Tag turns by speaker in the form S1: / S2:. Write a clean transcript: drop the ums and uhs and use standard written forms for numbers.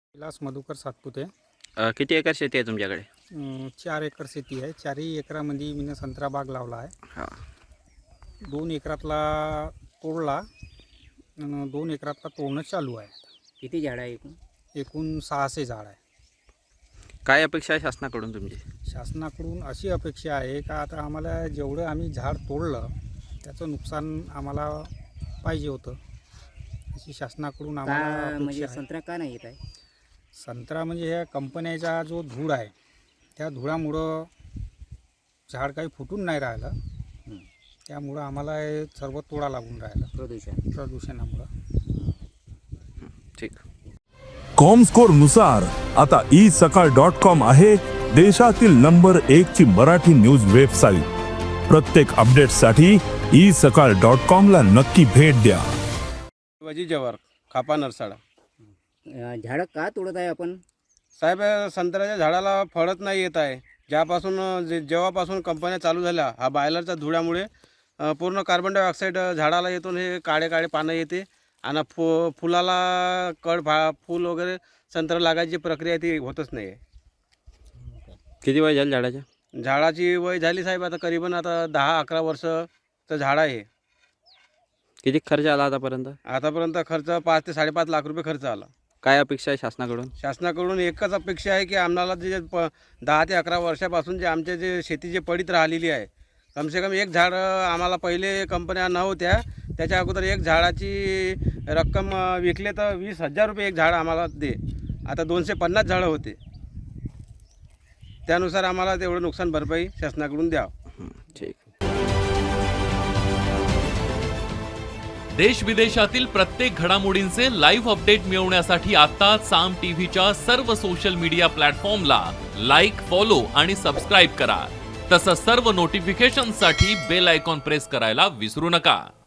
S1: विलास मधुकर सातपुते.
S2: किती एकर शेती आहे तुमच्याकडे?
S1: 4 एकर शेती आहे. 4ही एकरामध्ये मी संत्रा बाग लावला आहे.
S2: हां.
S1: 2 एकरातला तोडला आणि 2 एकरातला तोडणं चालू आहे.
S3: किती झाडं आहे एकूण?
S1: एकूण 600 झाड आहे.
S2: काय अपेक्षा आहे शासनाकडून तुमची?
S1: शासनाकडून अशी अपेक्षा आहे का आता आम्हाला जेवढं आम्ही झाड तोडलं त्याचं नुकसान आम्हाला पाहिजे होतं, अशी शासनाकडून आम्हाला
S3: का
S1: अपेक्षा
S3: म्हणजे
S1: आहे.
S3: संत्रा का नाही येत आहे?
S1: संत्रा म्हणजे ह्या कंपन्याचा जो धूळ आहे त्या धुळामुळं झाड काही फुटून नाही राहिलं. त्यामुळं आम्हाला हे सर्व तोडा लागून राहिलं प्रदूषणामुळं.
S2: ठीक.
S4: कॉमस्कोर नुसार आता isakal.com आहे देशातील नंबर 1 ची मराठी न्यूज वेबसाईट. प्रत्येक अपडेटसाठी isakal.com ला नक्की भेट द्या.
S5: शिवाजी जवार, खापा नरसाळा.
S3: झाडं का तोडत आहे आपण?
S5: साहेब, संत्र्याच्या झाडाला फळच नाही येत आहे. ज्यापासून जेव्हापासून कंपन्या चालू झाल्या, हा बायलरच्या धुळ्यामुळे पूर्ण कार्बन डायऑक्साईड झाडाला येतून हे काळे काळे पानं येते आणि फुलाला फूल वगैरे संत्रा लागायची प्रक्रिया ती होतच नाही आहे.
S2: किती वय झालं झाडाच्या?
S5: झाडाची वय झाली साहेब आता करीबन आता 10-11 वर्षचं झाड आहे.
S2: किती खर्च आला आतापर्यंत?
S5: आतापर्यंत खर्च 5 ते 5.5 लाख रुपये खर्च आला.
S2: काय अपेक्षा आहे शासनाकडून?
S5: शासनाकडून एकच अपेक्षा आहे की आम्हाला जे 10 ते 11 वर्षापासून जे आमचे जे शेती जे पडीत राहिलेली आहे, कमसे कम एक झाड आम्हाला पहिले कंपन्या नव्हत्या त्याच्या अगोदर एक झाडाची रक्कम विकले तर 20,000 रुपये एक झाड आम्हाला दे. आता 250 झाडं होते. त्यानुसार आम्हाला तेवढं नुकसान भरपाई शासनाकडून द्यावं.
S2: ठीक.
S6: देश विदेशातील प्रत्येक घडामोडींचे लाईव्ह अपडेट मिळवण्यासाठी आता साम टीव्हीच्या सर्व सोशल मीडिया प्लॅटफॉर्मला लाईक, फॉलो आणि सबस्क्राईब करा. तसंच सर्व नोटिफिकेशनसाठी बेल आयकॉन प्रेस करायला विसरू नका.